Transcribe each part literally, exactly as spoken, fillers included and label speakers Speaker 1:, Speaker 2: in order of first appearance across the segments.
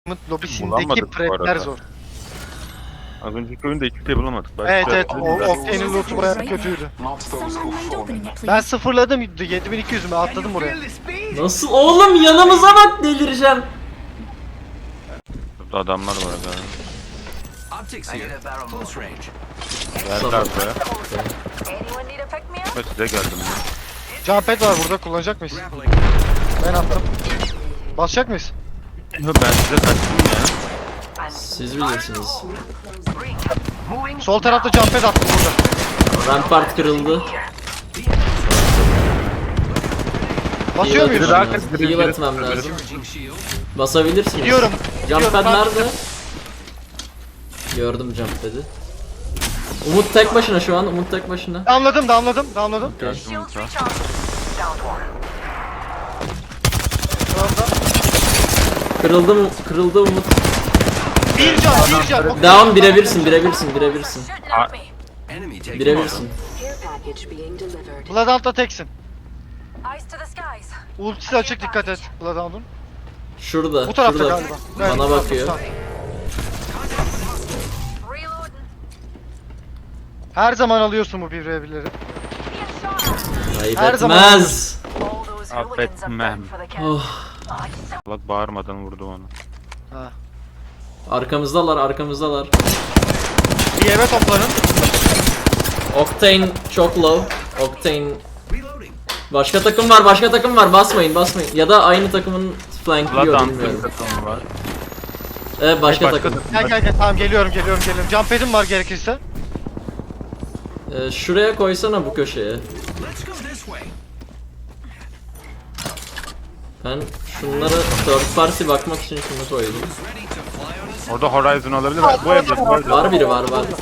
Speaker 1: lobisindeki
Speaker 2: Bulamadık bu
Speaker 1: prepler
Speaker 2: arada.
Speaker 1: zor.
Speaker 2: Az önceki oyunda hiçbir şey bulamadık. Başka
Speaker 1: Evet evet,
Speaker 2: bir
Speaker 1: o
Speaker 2: şey
Speaker 1: Octane'in loot'u bayağı kötüydü.
Speaker 3: Someone mind opening it,
Speaker 1: Ben
Speaker 3: please.
Speaker 1: sıfırladım yedi bin iki yüzümü atladım oraya.
Speaker 4: Nasıl oğlum, yanımıza bak, delireceğim.
Speaker 2: Burada adamlar var galiba.
Speaker 5: Optics here. Close range.
Speaker 2: Geldi
Speaker 4: Tamam.
Speaker 2: buraya. Ben size geldim.
Speaker 1: Jumpad var burada, kullanacak mıyız?
Speaker 5: Grappling.
Speaker 1: Ben attım. Basacak mıyız?
Speaker 2: Yo, ben size kaçtım ya.
Speaker 4: Siz bilirsiniz.
Speaker 1: Sol tarafta jumpad attım burada.
Speaker 4: Rampart kırıldı.
Speaker 1: Basıyor muyuz?
Speaker 4: Heal atmam lazım. Heal atmam lazım.
Speaker 5: Charging shield.
Speaker 4: Basabilirsiniz.
Speaker 1: Gidiyorum.
Speaker 4: Jumpad
Speaker 1: Gidiyorum, ben-
Speaker 4: nerede? Gördüm Jumpad'i. Umut tek başına şu an. Umut tek başına.
Speaker 1: Damladım damladım damladım.
Speaker 4: Okay.
Speaker 1: Şu anda.
Speaker 4: Kırıldı mı? Kırıldı Umut.
Speaker 1: Bir can bir can. Okey.
Speaker 4: Down, birebirsin, birebirsin, birebirsin.
Speaker 5: Enemy taking
Speaker 4: Birebirsin.
Speaker 6: Care package being delivered.
Speaker 1: Bloodhound'da teksin.
Speaker 7: Eyes to the skies.
Speaker 1: Ultisi açık, dikkat et Bloodhound'un.
Speaker 4: Şurada,
Speaker 1: Bu tarafta
Speaker 4: şurada.
Speaker 1: galiba. Evet,
Speaker 4: Bana
Speaker 1: bu tarafta,
Speaker 4: bakıyor.
Speaker 1: bu tarafta.
Speaker 7: Reloading.
Speaker 1: Her zaman alıyorsun bu bir ve birleri.
Speaker 4: Ayıp
Speaker 1: Her zaman
Speaker 4: etmez.
Speaker 7: All those hooligans are
Speaker 2: Affetmem.
Speaker 7: back for the count.
Speaker 4: Oh.
Speaker 2: Bak bağırmadan vurdu onu.
Speaker 1: Ha.
Speaker 4: Arkamızdalar, arkamızdalar.
Speaker 1: Bir eve toplanın.
Speaker 4: Octane çok low. Octane.
Speaker 5: Reloading.
Speaker 4: Başka takım var, başka takım var. Basmayın, basmayın. Ya da aynı takımın flankliyor,
Speaker 2: Bloodhound
Speaker 4: bilmiyorum.
Speaker 2: takımı var.
Speaker 4: Evet, başka,
Speaker 2: Başka
Speaker 4: takım.
Speaker 1: Gel gel gel, tamam geliyorum geliyorum geliyorum. Jumpad'im var gerekirse.
Speaker 4: Ee, şuraya koysana, bu köşeye.
Speaker 5: Let's go this way.
Speaker 4: Ben şunlara third party bakmak için şunu koydum.
Speaker 5: Who's ready to fly on a
Speaker 2: Orada Horizon olabilir. Bu evde bu evde.
Speaker 4: Var biri, var var.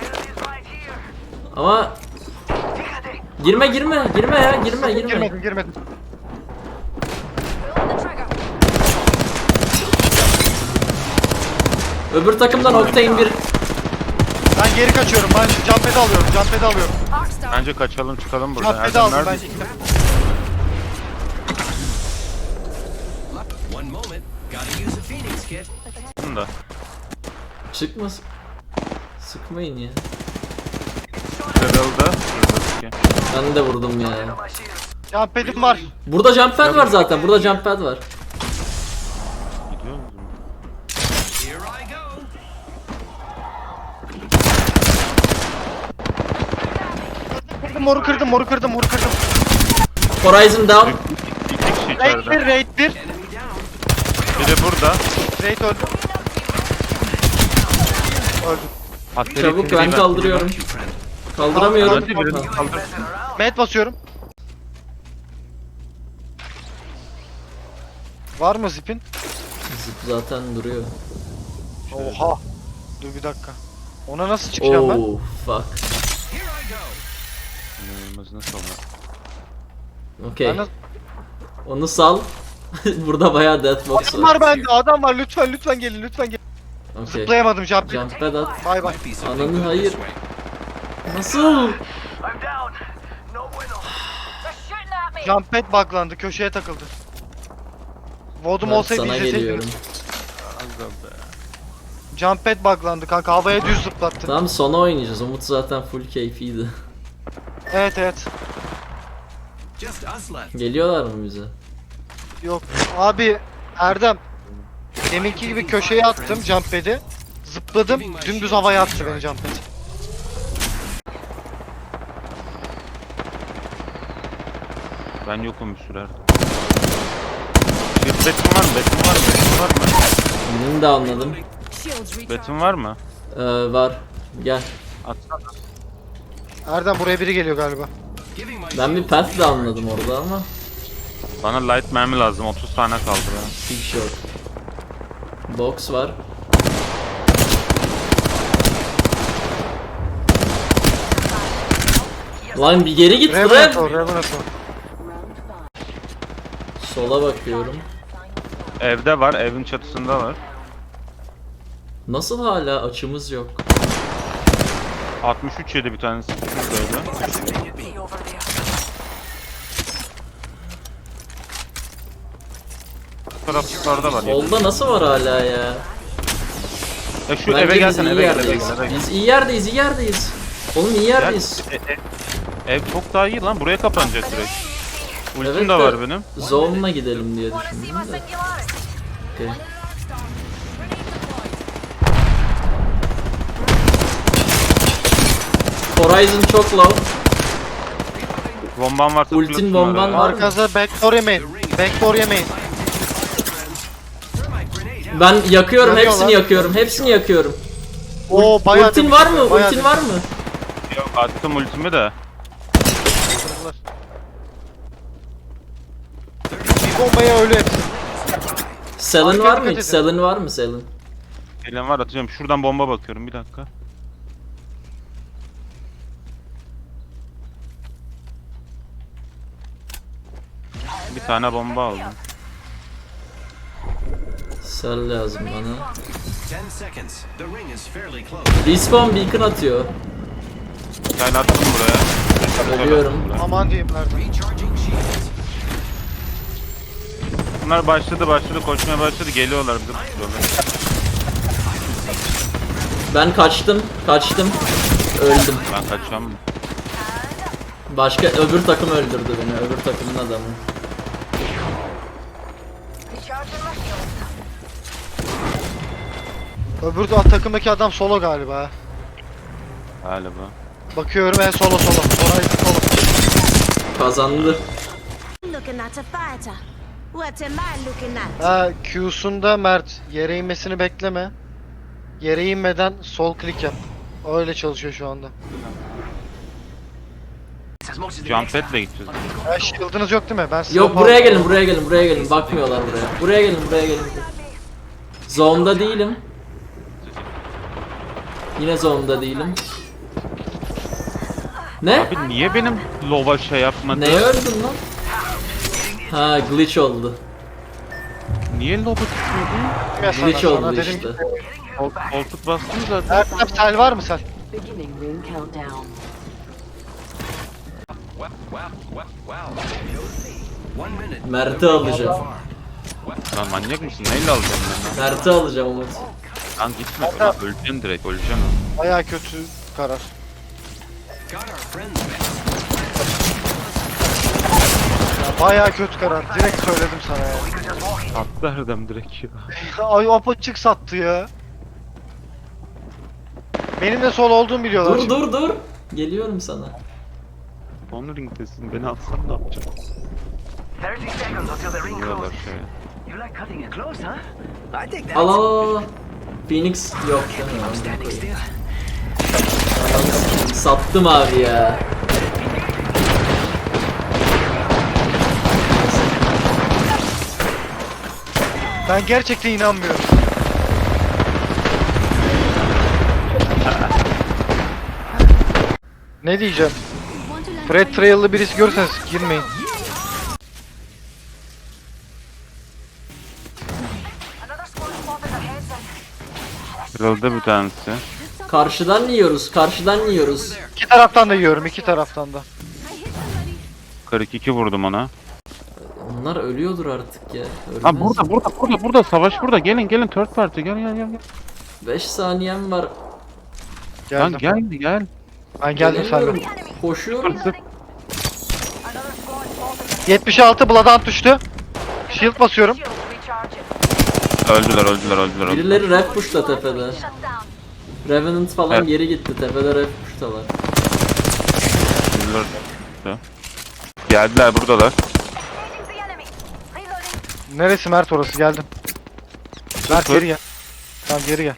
Speaker 4: Ama girme girme girme ya, girme girme.
Speaker 1: Girmedim girmedim.
Speaker 7: Pulling the trigger.
Speaker 4: Öbür takımdan Octane bir.
Speaker 1: Ben geri kaçıyorum. Ben Jumpad'ı alıyorum. Jumpad'ı alıyorum.
Speaker 7: Arcs down.
Speaker 2: Bence kaçalım çıkalım buradan.
Speaker 1: Jumpad'ı
Speaker 2: Erdem
Speaker 1: aldım
Speaker 2: nerede?
Speaker 1: bence.
Speaker 5: One moment. Gotta use a Phoenix kit.
Speaker 2: Bunda.
Speaker 4: Çıkmasın. Sıkmayın ya.
Speaker 2: Kırıldı.
Speaker 4: Ben de vurdum ya.
Speaker 1: Jumpad'im var.
Speaker 4: Burada jump pad var zaten. Burada jump pad var.
Speaker 2: Gidiyor musun?
Speaker 5: Here I go.
Speaker 1: Kırdım, moru kırdım, moru kırdım, moru kırdım.
Speaker 4: Horizon down.
Speaker 2: İki kişi
Speaker 1: Raid
Speaker 2: içeride.
Speaker 1: bir, raid bir.
Speaker 5: Enemy down.
Speaker 2: Biri burada.
Speaker 1: Raid öldü. Öldü.
Speaker 2: Hatta
Speaker 4: Çabuk,
Speaker 2: ikinci
Speaker 4: ben
Speaker 2: ben-
Speaker 4: kaldırıyorum.
Speaker 5: You friend.
Speaker 4: Kaldıramıyorum.
Speaker 2: Hadi birini kaldır.
Speaker 1: Med basıyorum. Var mı zipin?
Speaker 4: Zip zaten duruyor.
Speaker 1: Oha. Dur bir dakika. Ona nasıl çıkacağım ben?
Speaker 4: Oh fuck.
Speaker 5: Here I go.
Speaker 2: İnanılmaz nasıl olur?
Speaker 4: Okey.
Speaker 1: Ben nasıl...
Speaker 4: Onu sal. Burada bayağı deathbox
Speaker 1: Adam
Speaker 4: var.
Speaker 1: var bende, adam var. Lütfen lütfen gelin, lütfen gelin.
Speaker 4: Okey.
Speaker 1: Zıplayamadım Jumpad.
Speaker 4: Jump pad at.
Speaker 1: Bay bay.
Speaker 5: Might be something
Speaker 4: Ananı
Speaker 5: good
Speaker 4: hayır.
Speaker 5: this way.
Speaker 4: Nasıl?
Speaker 7: They're shooting at me.
Speaker 1: Jumpad buglandı, köşeye takıldı. Vodum
Speaker 4: Ben
Speaker 1: olsaydı
Speaker 4: sana
Speaker 1: izleseydim.
Speaker 4: geliyorum.
Speaker 1: Jumpad buglandı kanka, havaya düz zıplattı.
Speaker 4: Tamam, sona oynayacağız. Umut zaten full keyfiydi.
Speaker 1: Evet evet.
Speaker 5: Just us left.
Speaker 4: Geliyorlar mı bize?
Speaker 1: Yok abi, Erdem. Deminki gibi köşeye attım Jumpad'i. Zıpladım, dümdüz havaya attı beni Jumpad.
Speaker 2: Ben yokum bir sürer. Bir betim var mı? Betim var mı? Betim var mı?
Speaker 4: Birini de anladım.
Speaker 3: Shields recharged.
Speaker 2: Betim var mı?
Speaker 4: Ee, var. Gel.
Speaker 2: Atsana.
Speaker 1: Erdem, buraya biri geliyor galiba.
Speaker 5: Giving my
Speaker 4: Ben bir
Speaker 5: shield.
Speaker 4: path de anladım orada ama.
Speaker 2: Bana light mermi lazım. otuz tane kaldı ya.
Speaker 4: Big shot. Box var. Lan bir geri git
Speaker 1: Revenant o,
Speaker 4: lan.
Speaker 1: Revenant o.
Speaker 4: Sola bakıyorum.
Speaker 2: Evde var. Evin çatısında var.
Speaker 4: Nasıl hala açımız yok?
Speaker 2: altmış üç yedi bir tanesi. Şuradaydı.
Speaker 7: See over there.
Speaker 2: taraflarda var.
Speaker 4: Solda nasıl var hala ya?
Speaker 2: Ya şu
Speaker 4: Bence
Speaker 2: eve
Speaker 4: biz
Speaker 2: gelsene
Speaker 4: iyi
Speaker 2: eve gel eve
Speaker 4: yerdeyiz.
Speaker 2: gel. eve gel.
Speaker 4: Biz iyi yerdeyiz, iyi yerdeyiz. Oğlum iyi
Speaker 2: Gel,
Speaker 4: yerdeyiz.
Speaker 2: e- e- ev çok daha iyi lan, buraya kapanacak direkt. Ultim
Speaker 4: Evet
Speaker 2: de
Speaker 4: de
Speaker 2: var benim.
Speaker 4: Zone'la gidelim diye
Speaker 7: Wanna see my
Speaker 4: düşündüm de.
Speaker 7: singularity?
Speaker 4: Okey. Horizon çok low.
Speaker 2: Bomban varsa
Speaker 4: Ultin
Speaker 2: fırlat
Speaker 4: bomban
Speaker 2: şunları.
Speaker 4: var.
Speaker 1: Arkaza backdoor yemeyin. Backdoor yemeyin.
Speaker 4: Ben yakıyorum,
Speaker 1: Yanıyorlar.
Speaker 4: hepsini yakıyorum, hepsini yakıyorum.
Speaker 1: Oo bayağı
Speaker 4: Ultin var mı?
Speaker 1: bayağı
Speaker 4: Ultin var mı?
Speaker 2: Yok, attım ultimi de.
Speaker 1: Bir bombaya ölü hepsi.
Speaker 4: Selin
Speaker 1: Arkaya
Speaker 4: var mı
Speaker 1: dikkat
Speaker 4: hiç?
Speaker 1: edin.
Speaker 4: Selin var mı Selin?
Speaker 2: Elim var, atacağım. Şuradan bomba bakıyorum, bir dakika. Bir tane bomba aldım.
Speaker 4: Sel lazım bana.
Speaker 5: Ten seconds. The ring is fairly close.
Speaker 4: Respawn beacon atıyor.
Speaker 2: Bir tane attım buraya.
Speaker 4: Ölüyorum.
Speaker 1: Aman diyeyim nerede?
Speaker 5: Recharging shields.
Speaker 2: Bunlar başladı başladı koşmaya başladı, geliyorlar bizi tutuyorlar.
Speaker 4: Ben kaçtım, kaçtım. Öldüm.
Speaker 2: Ben kaçacağım.
Speaker 4: Başka öbür takım öldürdü beni. Öbür takımın adamı.
Speaker 7: Recharging my shields.
Speaker 1: Öbür de- takımdaki adam solo galiba.
Speaker 2: Galiba.
Speaker 1: Bakıyorum en solo solo. Horizon solo.
Speaker 4: Kazandı.
Speaker 3: Looking at a fighter. What am I looking at?
Speaker 1: Ha Q'sunda Mert yere inmesini bekleme. Yere inmeden sol klik yap. Öyle çalışıyor şu anda.
Speaker 2: Jump pad'le gideceğiz.
Speaker 1: Ha shield'ınız yok değil mi? Ben size
Speaker 4: Yok buraya gelin, buraya gelin, buraya gelin. Bakmıyorlar buraya. Buraya gelin, buraya gelin. Zone'da değilim. Yine zone'da değilim. Ne?
Speaker 2: Abi niye benim lova şey yapmadı?
Speaker 4: Neye öldün lan? Ha glitch oldu.
Speaker 2: Niye lova tutmadı?
Speaker 4: Glitch oldu işte.
Speaker 2: Kol, koltuk bastım zaten.
Speaker 1: Erdem sel var mı sel?
Speaker 6: Beginning ring countdown.
Speaker 5: Wow, wow, wow, wow. One minute.
Speaker 4: Mert'i alacağım.
Speaker 2: Lan manyak mısın? Neyle alacağım ben?
Speaker 4: Mert'i alacağım Umut.
Speaker 2: Lan gitme. Lan öleceğim direkt, öleceğim.
Speaker 1: Bayağı kötü karar.
Speaker 5: Got our friends back.
Speaker 1: Bayağı kötü karar. Direkt söyledim sana ya.
Speaker 2: Attı Erdem direkt ya.
Speaker 1: Ay apaçık sattı ya. Benim de sol olduğumu biliyorlar.
Speaker 4: Dur dur dur. Geliyorum sana.
Speaker 2: Son ringdesin, beni atsan ne yapacağım?
Speaker 8: thirty seconds until the ring
Speaker 2: Diyorlar
Speaker 8: closes.
Speaker 2: şeye.
Speaker 8: You like cutting it close, huh? I take that.
Speaker 4: Al al al, al. Phoenix yok değil
Speaker 8: I'm
Speaker 4: mi?
Speaker 8: standing still.
Speaker 4: Sattım abi ya.
Speaker 1: Ben gerçekten inanmıyorum. Ne diyeceğim?
Speaker 3: Want to learn
Speaker 1: Fred Trail'lı birisi görürseniz girmeyin.
Speaker 7: Another squad spotted ahead then.
Speaker 2: Kırıldı bir tanesi.
Speaker 4: Karşıdan yiyoruz, karşıdan yiyoruz.
Speaker 1: İki taraftan da yiyorum, iki taraftan da.
Speaker 2: kırk iki vurdum ona.
Speaker 4: Onlar ölüyordur artık ya. Ölmez.
Speaker 2: Lan burada burada burada burada savaş burada. Gelin gelin third party gel gel gel. gel.
Speaker 4: beş saniyem var.
Speaker 1: Geldim.
Speaker 2: Lan gel gel.
Speaker 1: Ben geldim
Speaker 4: Gelemiyorum.
Speaker 1: senden.
Speaker 4: Koşuyorum.
Speaker 2: Sıfır.
Speaker 7: Another squad spotted.
Speaker 1: yetmiş altı Bloodhound düştü. Shield basıyorum.
Speaker 7: Shields recharging.
Speaker 2: Öldüler öldüler öldüler. öldüler.
Speaker 4: Birileri ref push'ta tepede.
Speaker 7: Shut down.
Speaker 4: Revenant falan
Speaker 2: Evet.
Speaker 4: geri gitti. Tepede ref push'talar.
Speaker 2: Öldüler. Geldiler buradalar.
Speaker 7: Engaging the enemy. Reloading.
Speaker 1: Neresi Mert orası? Geldim. Mert
Speaker 2: Sıfır.
Speaker 1: geri gel. Tamam geri gel.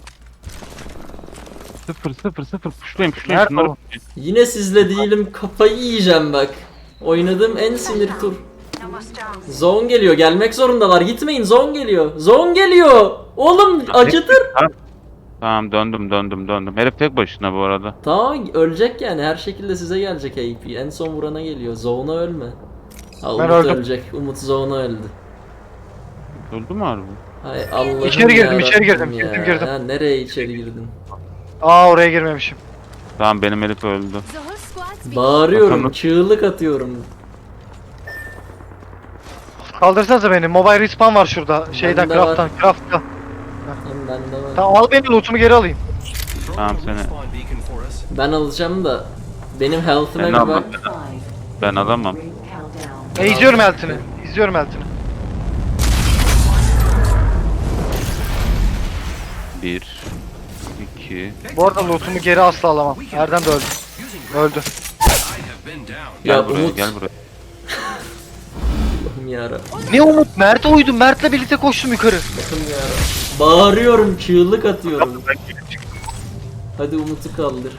Speaker 2: Sıfır sıfır sıfır puşlayın puşlayın
Speaker 1: Nerede
Speaker 2: şunları.
Speaker 1: o?
Speaker 4: Yine sizle değilim. Kafayı yiyeceğim bak. Oynadığım en sinir tur.
Speaker 7: Almost down.
Speaker 4: Zone geliyor. Gelmek zorundalar. Gitmeyin. Zone geliyor. Zone geliyor. Oğlum acıtır.
Speaker 2: Tamam döndüm döndüm döndüm. Herif tek başına bu arada.
Speaker 4: Tamam ölecek yani. Her şekilde size gelecek A P. En son vurana geliyor. Zone'a ölme. Ha, Umut
Speaker 1: öldüm.
Speaker 4: ölecek. Umut Zone'a öldü.
Speaker 2: Öldü mü harbi?
Speaker 4: Hay Allah'ım
Speaker 1: İçeri girdim,
Speaker 4: yarabbim
Speaker 1: içeri girdim,
Speaker 4: ya.
Speaker 1: girdim, girdim.
Speaker 4: Ha, nereye içeri girdin?
Speaker 1: Aa oraya girmemişim.
Speaker 2: Tamam benim herif öldü.
Speaker 3: The whole squad's been
Speaker 4: Bağırıyorum,
Speaker 2: Bakalım.
Speaker 4: çığlık atıyorum.
Speaker 1: Kaldırsanıza beni. Mobile respawn var şurada. Şeyden
Speaker 4: Bende var.
Speaker 1: craft'tan. Craft'tan.
Speaker 4: Hem bende var.
Speaker 1: Tamam al beni lootumu geri alayım.
Speaker 2: Tamam seni.
Speaker 4: Ben alacağım da benim health'ime
Speaker 2: Ben
Speaker 4: bir
Speaker 2: almam.
Speaker 4: bak.
Speaker 6: Five.
Speaker 2: Ben alamam.
Speaker 6: Ring countdown.
Speaker 1: E, izliyorum Eltin'i. İzliyorum Eltin'i.
Speaker 2: Bir. iki.
Speaker 1: Bu arada lootumu geri asla alamam. Erdem de öldü. Öldü.
Speaker 2: Gel
Speaker 4: Ya
Speaker 2: buraya
Speaker 4: Umut.
Speaker 2: gel buraya.
Speaker 4: Allah'ım yarabbim
Speaker 1: Ne Umut? Mert'e uydum. Mert'le birlikte koştum yukarı.
Speaker 4: yarabbim. Bağırıyorum, çığlık atıyorum. Hadi Umut'u kaldır.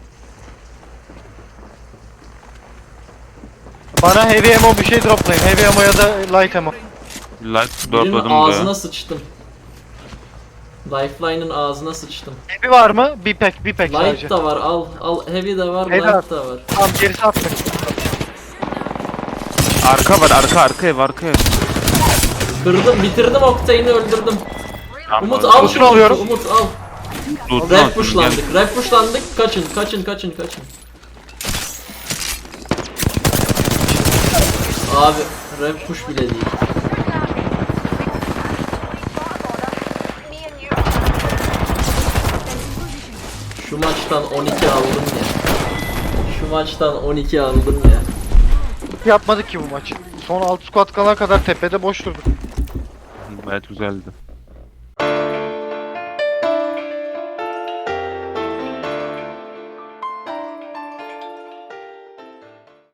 Speaker 1: Bana heavy ammo bir şey droplayın. Heavy ammo ya da light ammo.
Speaker 2: Like
Speaker 4: Birinin
Speaker 2: dropladım
Speaker 4: ağzına
Speaker 2: buraya.
Speaker 4: sıçtım. Lifeline'ın ağzına sıçtım.
Speaker 1: Heavy var mı? Bir pack, bir pack sadece.
Speaker 4: Light da var, al, al. Heavy de var,
Speaker 1: Heavy
Speaker 4: light da var.
Speaker 1: Tamam gerisi atmayın.
Speaker 2: Arka var arka arka ev arka ev.
Speaker 4: Kırdım, bitirdim Octane'i öldürdüm.
Speaker 2: Tamam,
Speaker 4: Umut
Speaker 2: orada.
Speaker 4: al
Speaker 1: Loot'unu
Speaker 4: şunu,
Speaker 1: alıyorum.
Speaker 4: Umut al.
Speaker 2: Loot'unu
Speaker 4: Red
Speaker 2: alsın,
Speaker 4: pushlandık, red pushlandık. Kaçın, kaçın, kaçın, kaçın. Abi, red push bile değil.
Speaker 7: Me and you.
Speaker 4: Şu maçtan on iki aldım ya. Şu maçtan on iki aldım ya.
Speaker 1: Yapmadık ki bu maçı. Son altı squad kalana kadar tepede boş durduk.
Speaker 2: Gel. Gayet güzeldi.